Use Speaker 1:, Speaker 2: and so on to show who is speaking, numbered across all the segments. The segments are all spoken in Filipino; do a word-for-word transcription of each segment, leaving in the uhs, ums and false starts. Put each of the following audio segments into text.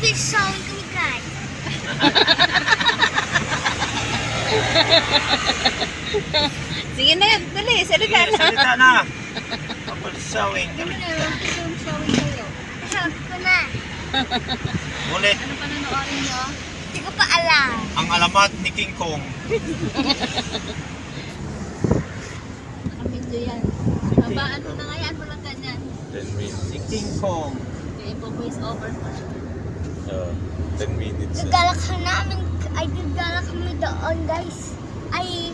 Speaker 1: English song kami guys.
Speaker 2: Sige na, dali, salita
Speaker 3: Sige,
Speaker 2: na.
Speaker 3: salita na. Couple sewing
Speaker 2: Kami
Speaker 3: kami.
Speaker 2: na, film showing kayo.
Speaker 1: Sabi ko na.
Speaker 3: Ulit,
Speaker 2: Ano pa nanoorin nyo?
Speaker 1: Hindi ko pa alam.
Speaker 3: ang alamat ni King Kong.
Speaker 2: Nakamidyo yan. Habaan mo na nga yan, walang ganyan.
Speaker 4: ten minutes.
Speaker 3: Si King Kong.
Speaker 2: Okay, po-voice over mo.
Speaker 4: Uh, ten minutes.
Speaker 1: Gagala ka namin. Ay, gagala kami doon guys. Ay,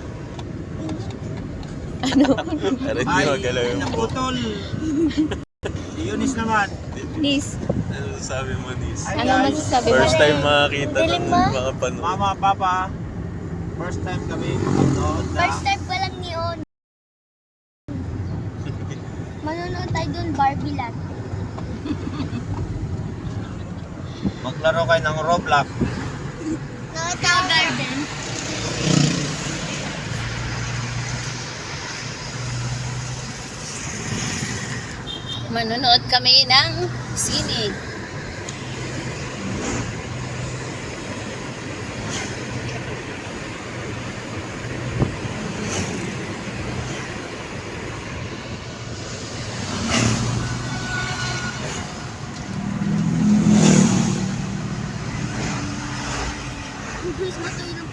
Speaker 4: Para hindi
Speaker 3: Ay,
Speaker 4: magalaw yung buhok.
Speaker 3: naputol. Si Eunice naman.
Speaker 2: Nis,
Speaker 4: Ano sabi mo, Nis?
Speaker 3: Ay,
Speaker 2: ano
Speaker 3: guys.
Speaker 2: masasabi mo?
Speaker 4: First time makakita
Speaker 1: Galing
Speaker 4: ng
Speaker 1: mo?
Speaker 4: mga panood.
Speaker 3: Mama, Papa. First time kami makanood na.
Speaker 1: first time pa lang ni On. Manonood tayo doon, Barbie Land.
Speaker 3: Maglaro kayo ng Roblox.
Speaker 1: Nakita ko garden.
Speaker 2: Manonood kami ng sine.
Speaker 1: Guys, matuloy